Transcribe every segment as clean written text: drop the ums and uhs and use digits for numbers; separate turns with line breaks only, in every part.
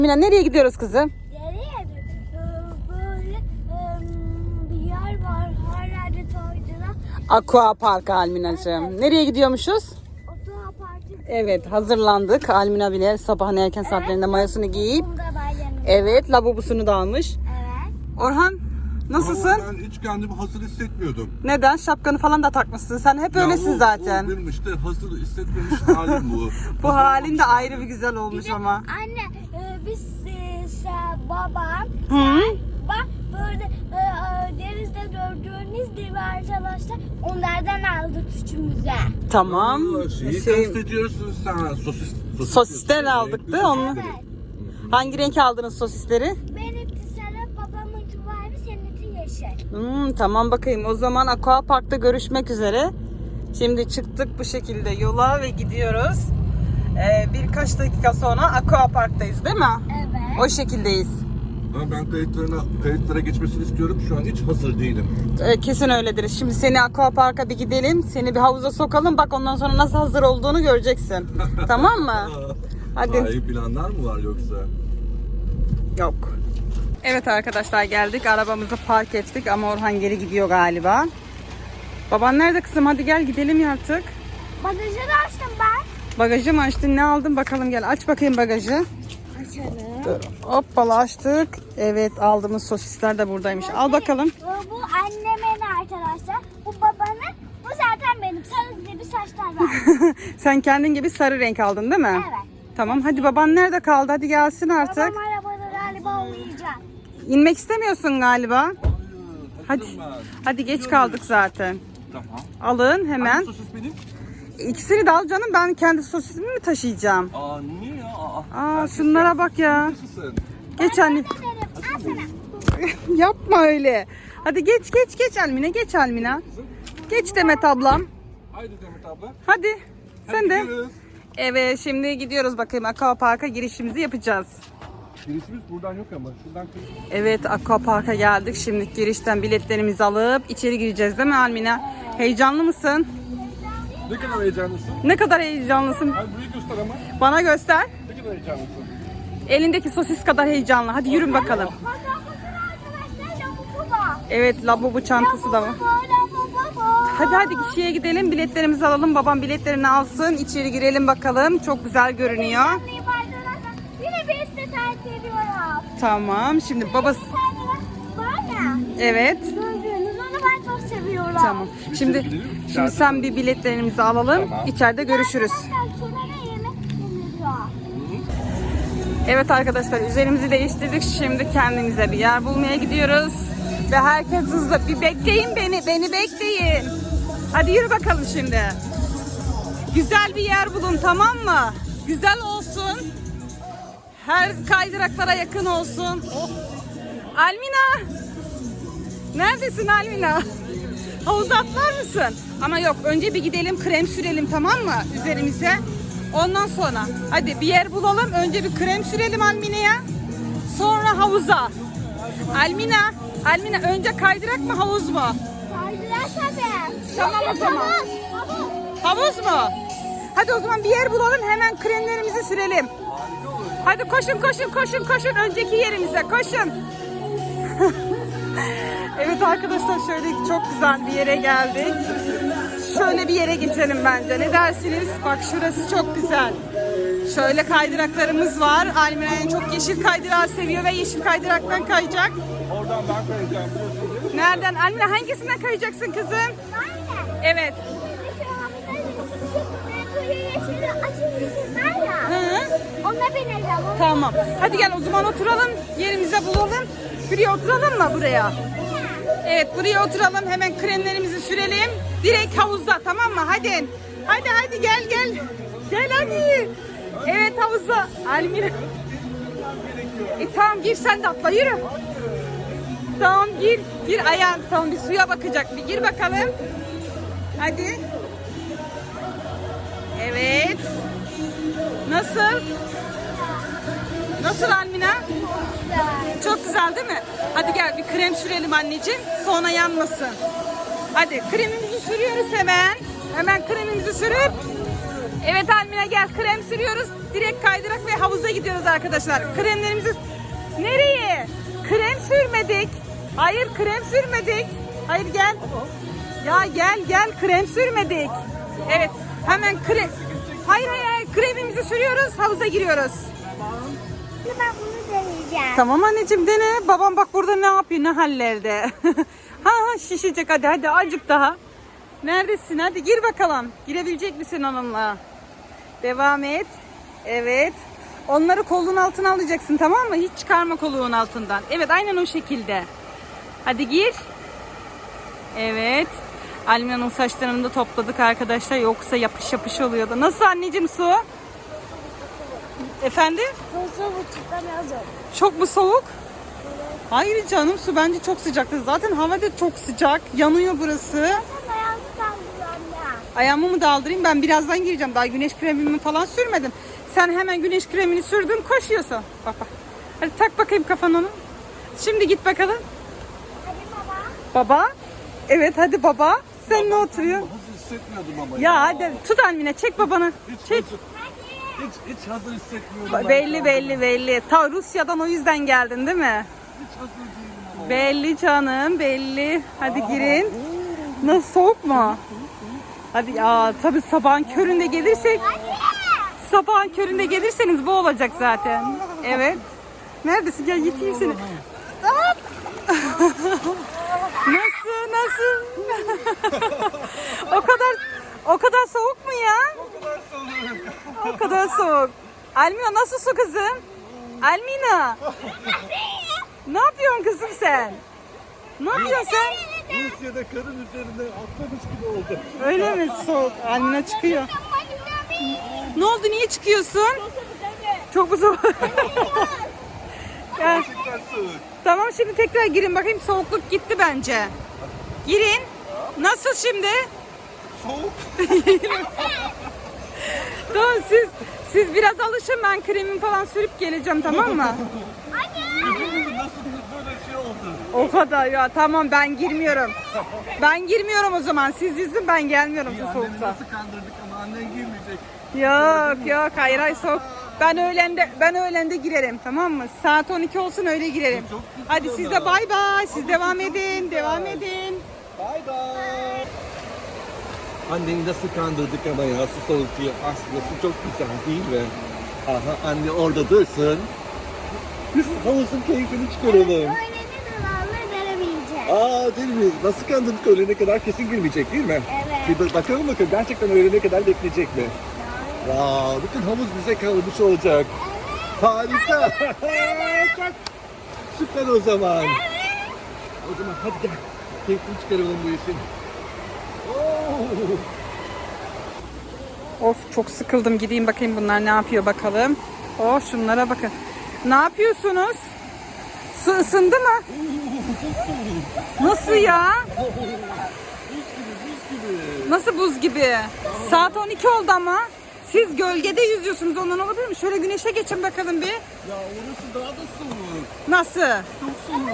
Mina nereye gidiyoruz kızım?
Nereye? Böyle bir yer var. Her yerde toycular.
Aqua Park Almina'cığım. Nereye gidiyormuşuz?
Aqua Park'ı.
Evet, hazırlandık. Almina bile sabahın erken saatlerinde mayosunu giyip.
Bunda bayramı.
Evet, lavabosunu da almış.
Evet.
Orhan nasılsın?
Ama ben hiç kendimi hazır hissetmiyordum.
Neden? Şapkanı falan da takmışsın. Sen hep öylesin
o
zaten.
benim işte hazır hissetmemiş halim bu.
Bu halin de ayrı bir güzel olmuş ama.
Anne biz babam
Hı?
bak böyle denizde gördüğünüz gibi arkadaşlar onlardan aldık üçümüze.
Tamam.
Şeyi
Şey,
kastediyorsun sen.
sosisten aldık da onu.
Evet.
Hangi renk aldınız sosisleri?
Benimki sarı, babamınki mavi, seninki yeşil.
Tamam bakayım. O zaman Aqua Park'ta görüşmek üzere. Şimdi çıktık bu şekilde yola ve gidiyoruz. Birkaç dakika sonra Aqua Park'tayız değil mi?
Evet.
O şekildeyiz.
Ama ben kayıtlara geçmesini istiyorum. Şu an hiç hazır değilim.
Kesin öyledir. Şimdi seni Aqua Park'a bir gidelim. Seni bir havuza sokalım. Bak ondan sonra nasıl hazır olduğunu göreceksin. Tamam mı? Hadi.
Daha planlar mı var yoksa?
Yok. Evet arkadaşlar geldik. Arabamızı park ettik ama Orhan geri gidiyor galiba. Baban nerede kızım? Hadi gel gidelim artık.
Bagajı da açtım ben.
Bagajı mı açtın? Ne aldın? Bakalım gel. Aç bakayım bagajı.
Açalım.
Hoppala açtık. Evet aldığımız sosisler de buradaymış. Al bakalım.
Bu annemin arkadaşlar. Bu babanın. Bu zaten benim. Sarı gibi saçlar var.
Sen kendin gibi sarı renk aldın değil mi?
Evet.
Tamam hadi baban nerede kaldı? Hadi gelsin artık.
Babam arabada galiba uyuyacak.
İnmek istemiyorsun galiba. Hadi.
Taşıdım ben.
Hadi geç kaldık zaten.
Tamam.
Alın hemen.
Hangi sosis benim?
İkisini de al canım. Ben kendi sosisimi mi taşıyacağım?
Niye ya?
Şunlara bak ya.
Nasılsın?
Geç anne.
Dedim, al sana.
Yapma öyle. Hadi geç Almina. Geç Almina. Geç Demet ablam.
Haydi Demet abla.
Hadi. Sen de.
gidiyoruz.
Evet şimdi gidiyoruz bakayım. Aqua Park'a girişimizi yapacağız.
Girişimiz buradan yok ama şuradan
Evet Aqua Park'a geldik. Şimdi girişten biletlerimizi alıp içeri gireceğiz değil mi Almina? Heyecanlı mısın?
Ne kadar heyecanlısın?
Ne kadar heyecanlısın?
Hadi burayı göster ama.
Bana göster.
Ne kadar heyecanlısın?
Elindeki sosis kadar heyecanlı. Hadi yürün bakalım.
Arkadaşlar lavabo var.
Evet lavabo çantası da var. Hadi kişiye gidelim. Biletlerimizi alalım. Babam biletlerini alsın. İçeri girelim bakalım. Çok güzel görünüyor.
Yine bir size terk ediyorum.
Tamam. Şimdi babası...
Var ya.
Evet.
Gördüğünüz onu ben çok seviyorum.
Tamam. Şimdi sen bir biletlerimizi alalım.
Tamam.
İçeride görüşürüz.
Arkadaşlar şurada yemek yeniliyor.
Evet arkadaşlar üzerimizi değiştirdik. Şimdi kendimize bir yer bulmaya gidiyoruz. Ve herkes hızlı. Bir bekleyin beni. Beni bekleyin. Hadi yürü bakalım şimdi. Güzel bir yer bulun tamam mı? Güzel olsun. Her kaydıraklara yakın olsun. Oh. Almina. Neredesin Almina? Havuza atlar mısın? Ama yok önce bir gidelim krem sürelim tamam mı üzerimize. Ondan sonra hadi bir yer bulalım. Önce bir krem sürelim Almina'ya. Sonra havuza. Almina önce kaydırak mı havuz mu?
Kaydırak tabii.
Tamam o zaman. Havuz mu? Hadi o zaman bir yer bulalım hemen kremlerimizi sürelim. Hadi koşun önceki yerimize koşun. Evet arkadaşlar şöyle çok güzel bir yere geldik. Şöyle bir yere geçelim bence. Ne dersiniz? Bak şurası çok güzel. Şöyle kaydıraklarımız var. Almina en çok yeşil kaydırağı seviyor ve yeşil kaydıraktan kayacak.
Oradan ben kayacağım.
Nereden? Almina hangisinden kayacaksın kızım?
Aynen.
Evet. Hı.
Ona bineceğim.
Tamam. Hadi gel o zaman oturalım. Yerimize bulalım. Buraya oturalım mı buraya? Evet buraya oturalım. Hemen kremlerimizi sürelim. Direkt havuzda tamam mı? Hadi. Hadi gel. Gel hadi. Evet havuzda. Almina. Tamam gir sen de atla yürü. Tamam gir ayağın. Tamam bir suya bakacak. Bir gir bakalım. Hadi. Evet. Nasıl? Nasıl Almina? Çok güzel değil mi? Hadi gel bir krem sürelim anneciğim. Sonra yanmasın. Hadi kremimizi sürüyoruz hemen. Hemen kremimizi sürüp Evet Almina gel, krem sürüyoruz. Direkt kaydırak ve havuza gidiyoruz arkadaşlar. Kremlerimizi... Nereye? Krem sürmedik. Hayır krem sürmedik. Hayır gel. Ya gel krem sürmedik. Evet hemen krem. Hayır kremimizi sürüyoruz, havuza giriyoruz.
Şimdi ben bunu deneyeceğim.
Tamam anneciğim dene. Babam bak burada ne yapıyor, ne hallerde. ha şişecek, hadi azıcık daha. Neredesin? Hadi gir bakalım. Girebilecek misin onunla? Devam et. Evet. Onları kolun altına alacaksın, tamam mı? Hiç çıkarma koluğun altından. Evet aynen o şekilde. Hadi gir. Evet. Almina'nın saçlarını da topladık arkadaşlar. Yoksa yapış yapış oluyordu. Nasıl anneciğim su? Efendim?
Bu çıkamazım.
Çok mu soğuk? Hayır canım, su bence çok sıcaktı. Zaten hava da çok sıcak. Yanıyor burası.
Sen ayağını kaldırıyorum ya.
Ayağımı mı daldırayım? Ben birazdan gireceğim. Daha güneş kremimi falan sürmedim. Sen hemen güneş kremini sürdün, koşuyorsun. Bak. Hadi tak bakayım kafanı onu. Şimdi git bakalım.
Hadi baba.
Baba. Evet hadi baba. Sen ne oturuyorsun?
Hazır hissetmiyordum ama
Ya hadi tut Almina, çek babanı. Çek.
Hiç hazır hissetmiyordum.
Belli. Ta Rusya'dan o yüzden geldin değil mi?
Hiç hazır değilim ama.
Belli canım, belli. Hadi girin. Nasıl, soğuk mu? Hadi ya tabii sabahın köründe gelirsek. Sabahın köründe gelirseniz bu olacak zaten. Evet. Neredesin? Gel yeteyim seni. Hop. Nasıl? o kadar soğuk mu ya?
O kadar soğuk.
O kadar soğuk. Almina nasıl su kızım? Almina. Ne yapıyorsun kızım sen? Ne yapıyorsun sen?
Rusya'da karın üzerinde atlamış gibi oldu.
Öyle mi soğuk? Almina çıkıyor. Ne oldu? Niye çıkıyorsun? Çok mu soğuk? Gel.
Gerçekten soğuk.
Tamam şimdi tekrar girin bakayım, soğukluk gitti bence. Girin. Nasıl şimdi?
Soğuk.
Tamam siz biraz alışın, ben kremimi falan sürüp geleceğim, tamam mı?
Nasıl böyle şey oldu?
O kadar ya, tamam ben girmiyorum. Ben girmiyorum o zaman, siz yüzün, ben gelmiyorum bu
Anneni
soğukta.
nasıl kandırdık ama annen girmeyecek.
Yok hayır soğuk. Ben öğlende girerim, tamam mı? Saat 12 olsun öyle girerim.
Çok güzel
Hadi siz de
ama.
bay bay. Siz devam
çok
edin.
güzel.
Devam edin.
Bay bay. Anneni nasıl kandırdık ama ya, su soğuk diye. Aslında su çok güzel değil mi? Aha anne orada dursun. Biz havuzun keyfini çıkaralım.
Öyle ne dolarla veremeyeceğim.
Aa değil mi? Nasıl kandırdık, öğlene kadar kesin girmeyecek değil mi?
Evet.
Bir bakalım gerçekten öğlene kadar bekleyecek mi? Vaa bütün havuz bize kalmış olacak. Harika. Çok süper o zaman. O zaman hadi gel. Keyfini çıkaralım bu işin. Oo.
Of çok sıkıldım, gideyim bakayım bunlar ne yapıyor bakalım. Oh şunlara bakın. Ne yapıyorsunuz? Su ısındı mı? Nasıl ya? Nasıl buz gibi? Saat 12 oldu ama. Siz gölgede yüzüyorsunuz, ondan olabilir mi? Şöyle güneşe geçin bakalım bir.
Ya orası daha da soğuk.
Nasıl?
Çok soğuk.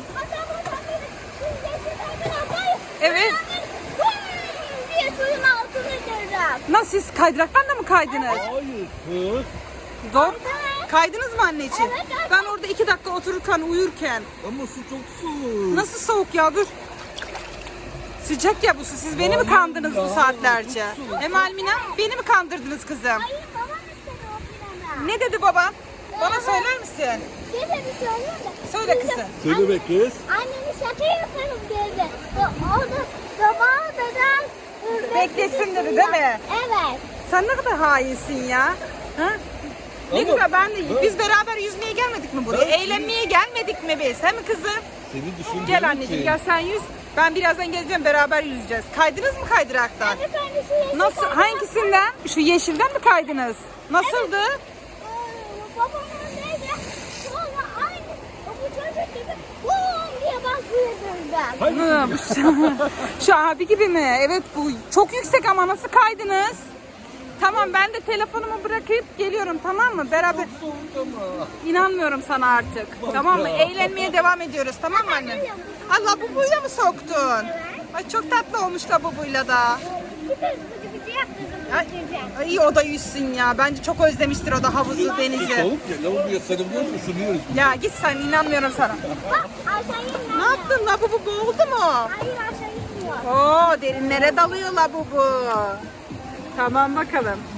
Evet.
diye suyun altını görürüm.
Nasıl, siz kaydıraktan da mı kaydınız?
Hayır kız.
Doğru. Kaydınız mı anneciğim?
Evet, evet.
Ben orada 2 dakika otururken, uyurken.
Ama su çok soğuk.
Nasıl soğuk ya, dur. Sıcak ya bu su. Siz beni mi
Hayır
kandırdınız
ya,
bu saatlerce?
çok soğuk.
Hem Almina, beni mi kandırdınız kızım?
Hayır babam istedi o plana.
Ne dedi baba? Bana söyler misin?
Ne dedi söyleyeyim de.
Söyle kızım.
Söyle be kız.
Annemi şaka yaparım dedi. Orada sabaha kadar
Beklesin dedi, değil mi?
Evet.
Sen ne kadar hainsin ya. Ha? Ne
Ama-
güzel, biz beraber yüzmeye gelmedik mi buraya? Eğlenmeye gelmedik mi biz? He mi kızım?
Seni düşündüğüm
Gel anneciğim,
için.
gel sen yüz. Ben birazdan geleceğim, beraber yüzeceğiz. Kaydınız mı kaydıraktan?
Evet annesi yeşil
Nasıl,
kaydı.
hangisinden? Şu yeşilden mi kaydınız? Nasıldı?
Babam oradaydı. Sonra aynı bu çocuk gibi bum diye basıyordum.
Hı, şu abi gibi mi? Evet, bu çok yüksek ama nasıl kaydınız? Tamam ben de telefonumu bırakıp geliyorum, tamam mı? Beraber
Soğuk ama.
inanmıyorum sana artık. Tamam mı? Eğlenmeye devam ediyoruz, tamam mı annem? Allah, bubuyla mı soktun? Ay çok tatlı olmuş da bubuyla da.
Bir de bıcı bıcı yaptırdım
Ay,
yüzeceğim.
iyi o da yüzsün ya. Bence çok özlemiştir o da havuzu, denizi.
Soğuk ya. Lavaboya sarılıyoruz, ısınıyoruz.
Ya git sen, inanmıyorum sana.
Bak aşağı inmiyor.
Ne yaptın? Labubu boğuldu mu?
Hayır aşağı inmiyor.
Oo, derinlere dalıyor labubu. Tamam bakalım.